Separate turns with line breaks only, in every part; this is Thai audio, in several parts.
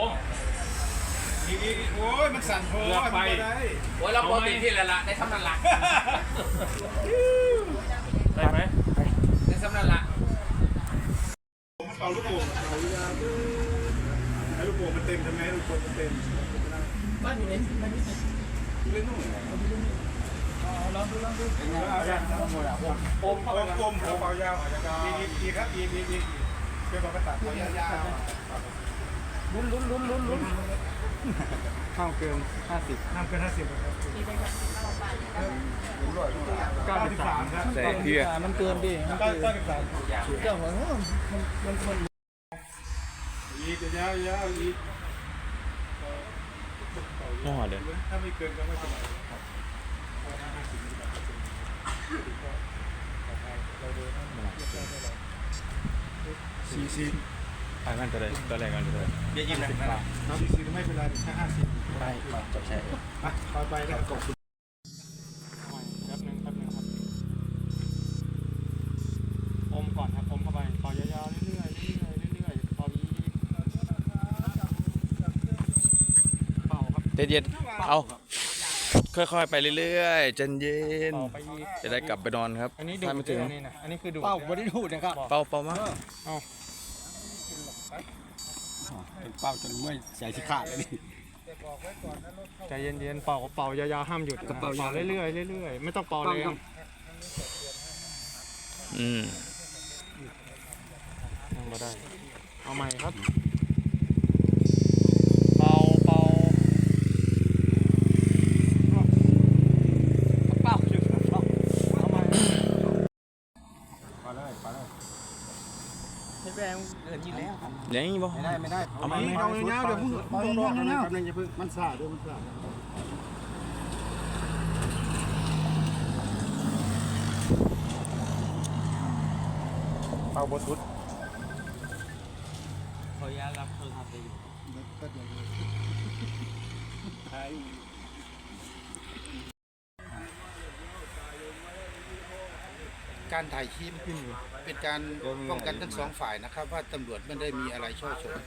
โอ้ยมันสั่นโผล่ไปได้
โอ้ยเราโปรตีนที่ละได้ทำนั่นละ
ได้ไหม
ได้ทำนั่นละ
เอาลูกโป่งให้ลูกโป่งมันเต็มทำไมลูกโป่งมันเต็มบ้านอยู่ไหนบ้านอยู่ไหนเล่นนู่นลองดูโอมเป่ายาวอีกครับอีกเป็นบอลกระตัดเป่ายาวลุ้นห้ามเกิน50ครับ93ครับ
แต่เพื่อ
มันเกินดิ93เจ้าเหรอมันอีกยาวอีก
น่าเลย
ถ้าไม่เกินก็ไม่เป็นไรครับ
40นั่นตัวแรกกันเลย
เดี๋ยวยิ้มนะ40ไม่เป็นไรแค่50
ไปจบใช่
ไปแล้วกด
แป๊บนึงครับอมก่อนครับอมเข้าไปต่อยาวๆเรื่อยๆต่ออีกเป่าครับ
เย็นๆเอาค่อยๆไปเรื่อยๆใจเย็นจะได้กลับไปนอนครับ
อันนี้ดูดนี่นะอันนี้คือดูด
เป่าบริดูดนะครับ
เป่ามาก
เป็นเป่าจนเมื่อยใส่ที่ขาดเลยนี่
ใจเย็นๆเป่ายาวๆห้ามหยุดเป่าเรื่อยๆไม่ต้องเป่าแรงยังไม่ได้เอาใหม่ครับเป่าเอาใหม่
ไปเลย
ให้แรงเกินอยู่แล้ว
ยังบ่
ไม่ได้
เอามา
เอาเงาเดี๋ยวพึ่งเอาเงาแป๊บนึงอย่าพึ่งมันซ่าด้วยมันซ่า
เอาบสุด
ขอยารับโทรศัพท์ไปอยู่
การถ่ายคลิปเป็นการป้องกันทั้งสองฝ่ายนะครับว่าตำรวจไม่ได้มีอะไรช่อฉน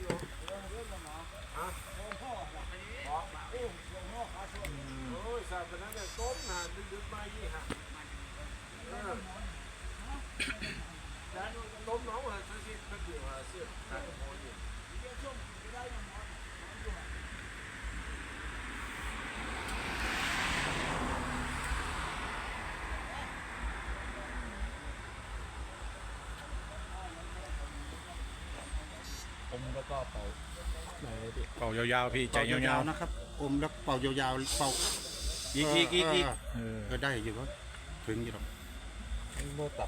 แล้วก็เป่
ายาวๆพี่ใจยาว
ๆนะครับอมแล้วเป่ายาวๆเป่า
อีก
ก็ได้อยู่ก็ถึงอยู่หรอกโบตับ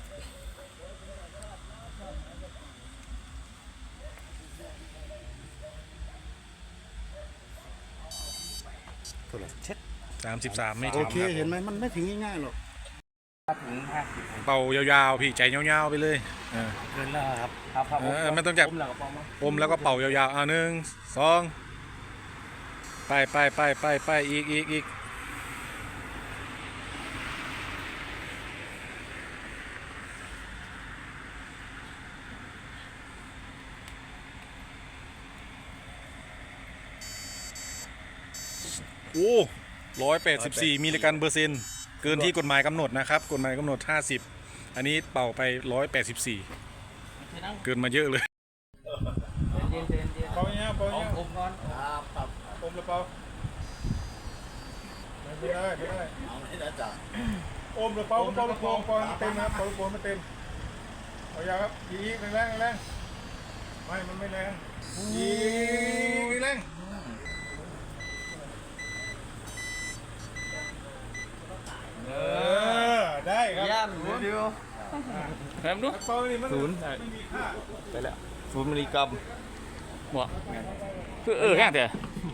เท่าไหร่เช็ด
33ไม่ถึง
โอเคเห็นไหมมันไม่ถึงง่ายๆหรอก
ถึง50
เป่ายาวๆพี่ใจยาวๆไปเลย
เกินแล้วครับ
ไม่ต้องจับอมแล้วก็เป่ายาวๆ1 2ไปอีกโอ้184มิลลิกรัมเปอร์เซ็นต์เกินที่กฎหมายกำหนดนะครับกฎหมายกำหนด50อันนี้เป่าไป184เกินมาเยอะเลย
เป่าเนี่ย
อมก่อน
อมแล้วเป่าไม่ได้
เอาไม่ได้จ้ะ
อมแล้วเป่าเต็มนะเป่าไม่เต็มเอายาครับอีกแรงไม่มันไม่แรงอีกแรงได้ครับ
ย่ำเดียว
แถมดู0ไปแล้ว0มิลลิกรัมหมดคือแค่เถอะ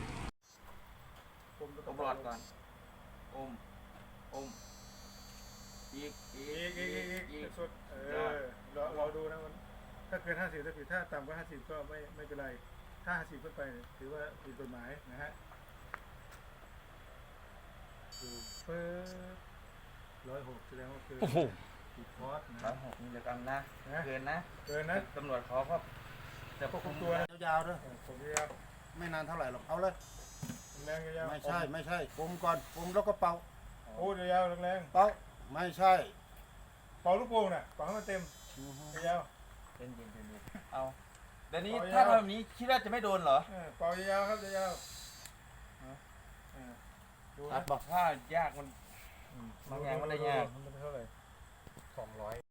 ต้องรอดก่อนอมอีก
สุดรอดูนะมันถ้าเกิน50ถ้าผิดถ้าต่ำกว่า50ก็ไม่เป็นไรถ้า50ขึ้นไปถือว่าผิดกฎหมายนะฮะเปิด106แสดงว่าคือผิดคอร์สนะ
106มิลลิกรัมนะเกินนะ
ต
ตำรวจเขาก็
จะควบคุมตัวยาวๆด้วยผมยาว
ไม่นานเท่าไหร่หรอกเอาเลย
แรงยาว
ไม่ใช่ไม่ใช่อมก่อนอมแล้วก็เป่า
โอ้ยาวแรง
เป่าไม่ใช่
เป่าลูกโป่งน่ะเป่าให้มันเต็มยาว
เย็นเอาเดี๋ยวนี้
เอายาว
ถ้าทำแบบนี้คิดว่าจะไม่โดนเหรอ
เป่ายาวครับยาวดู
ตั
นะ
ดบอก
ถ้ายากมันบางอย่างมันได้ยาก
มันเป็นเท่าไหร่200